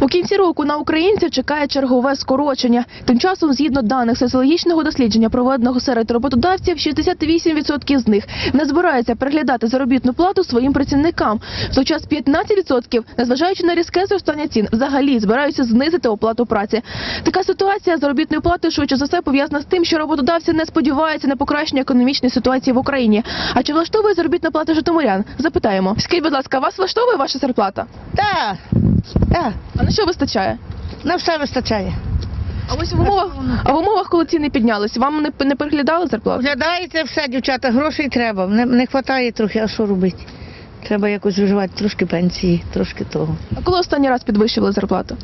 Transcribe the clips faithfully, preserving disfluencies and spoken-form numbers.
У кінці року на українців чекає чергове скорочення. Тим часом, згідно даних соціологічного дослідження, проведеного серед роботодавців, шістдесят вісім відсотків з них не збираються переглядати заробітну плату своїм працівникам. В той час п'ятнадцять відсотків, незважаючи на різке зростання цін, взагалі збираються знизити оплату праці. Така ситуація з заробітною платою швидше за все пов'язана з тим, що роботодавці не сподіваються на покращення економічної ситуації в Україні. А чи влаштовує заробітна плата житомирян? Запитаємо. Скажіть, будь ласка, вас влаштовує ваша зарплата? Так, так, А на що вистачає? на все вистачає. А ось в умовах, а в умовах, коли ціни піднялись, вам не, не переглядали зарплату? Оглядається все, дівчата, грошей треба. Не, не вистачає трохи, а що робити? Треба якось виживати, трошки пенсії, трошки того. А коли останній раз підвищували зарплату?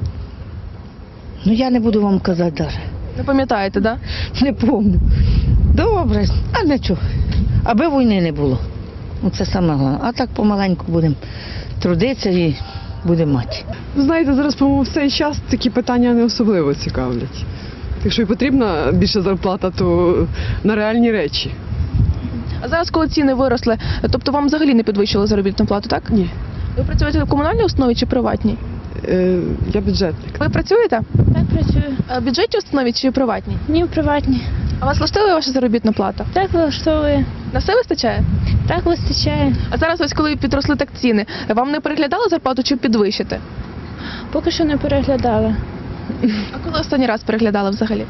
Ну я не буду вам казати навіть. Не пам'ятаєте, так? Да? Не пам'ятаю. Добре, а нічого. Аби війни не було. Це саме головне. А так помаленьку будемо трудитися і будемо мати. Знаєте, зараз, по-моєму, в цей час такі питання не особливо цікавлять. Якщо і потрібна більша зарплата, то на реальні речі. А зараз, коли ціни виросли, тобто вам взагалі не підвищили заробітну плату, так? Ні. Ви працюєте в комунальній установі чи приватній? Е, я бюджетник. Ви працюєте? Так, працюю. А в бюджетній установі чи приватній? Ні, в приватній. А вас влаштовує ваша заробітна плата? Так влаштовує. На все вистачає? Так вистачає. А зараз ось коли підросли так ціни, вам не переглядали зарплату чи підвищити? Поки що не переглядала. А коли останній раз переглядали взагалі?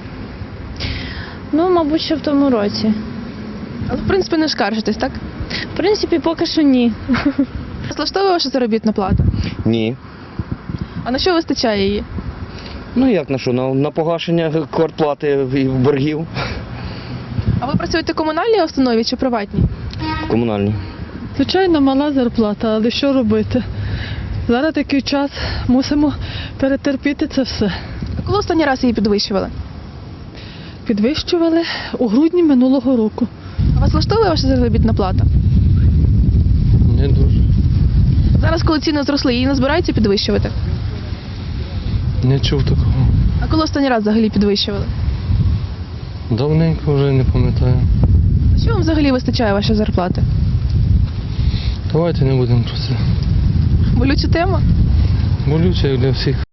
Ну, мабуть, ще в тому році. Але в принципі не скаржитесь, так? В принципі, поки що ні. Вас влаштовує ваша заробітна плата? Ні. А на що вистачає її? Ну як на що? На, на погашення квартплати і боргів А ви працюєте в комунальній установі чи приватній? комунальні. Звичайно, мала зарплата, але що робити? Зараз такий час, мусимо перетерпіти це все. А коли останній раз її підвищували? Підвищували у грудні минулого року. А вас влаштовує ваша заробітна плата? Не дуже. Зараз, коли ціни зросли, її не збираються підвищувати? Не чув такого. А коли останній раз взагалі підвищували? Давненько вже не пам'ятаю. А що вам взагалі вистачає вашої зарплати? Давайте не будемо про це. Болюча тема? Болюче як для всіх.